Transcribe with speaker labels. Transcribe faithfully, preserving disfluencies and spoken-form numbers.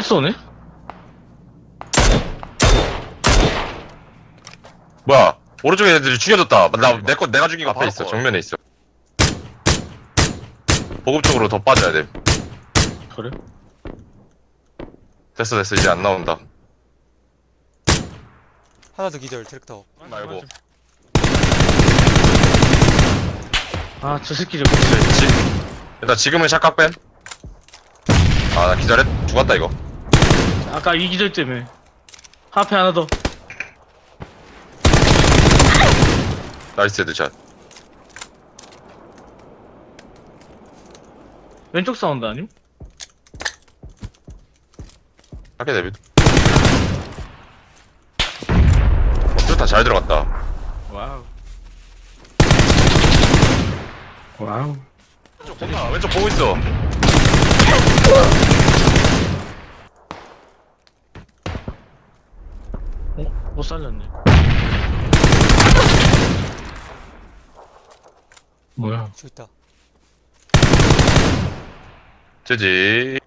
Speaker 1: 쏘네?
Speaker 2: 뭐야? 오른쪽에 애들이 죽여졌다. 나 내 거 내가 죽인 거
Speaker 3: 아,
Speaker 2: 앞에
Speaker 3: 바로
Speaker 2: 있어.
Speaker 3: 거.
Speaker 2: 정면에 있어. 보급 쪽으로 더 빠져야 돼.
Speaker 1: 그래?
Speaker 2: 됐어 됐어 이제 안 나온다.
Speaker 3: 하나 더 기절 트랙터.
Speaker 2: 말고.
Speaker 1: 아, 저 새끼 좀.
Speaker 2: 지, 지, 일단 지금은 샷각 뺀. 아 나 기절했. 죽었다 이거.
Speaker 1: 아까 이 기절 때문에. 앞에 하나 더.
Speaker 2: 나이스 헤드샷.
Speaker 1: 왼쪽 사운드 아님?
Speaker 2: 하게 데뷔. 어, 좋다 잘 들어갔다.
Speaker 1: 와우. 와우.
Speaker 2: 왼쪽 본다. 왼쪽 보고 있어.
Speaker 1: 어? 못 살렸네. 뭐야?
Speaker 3: 저기 있다.
Speaker 2: 제지.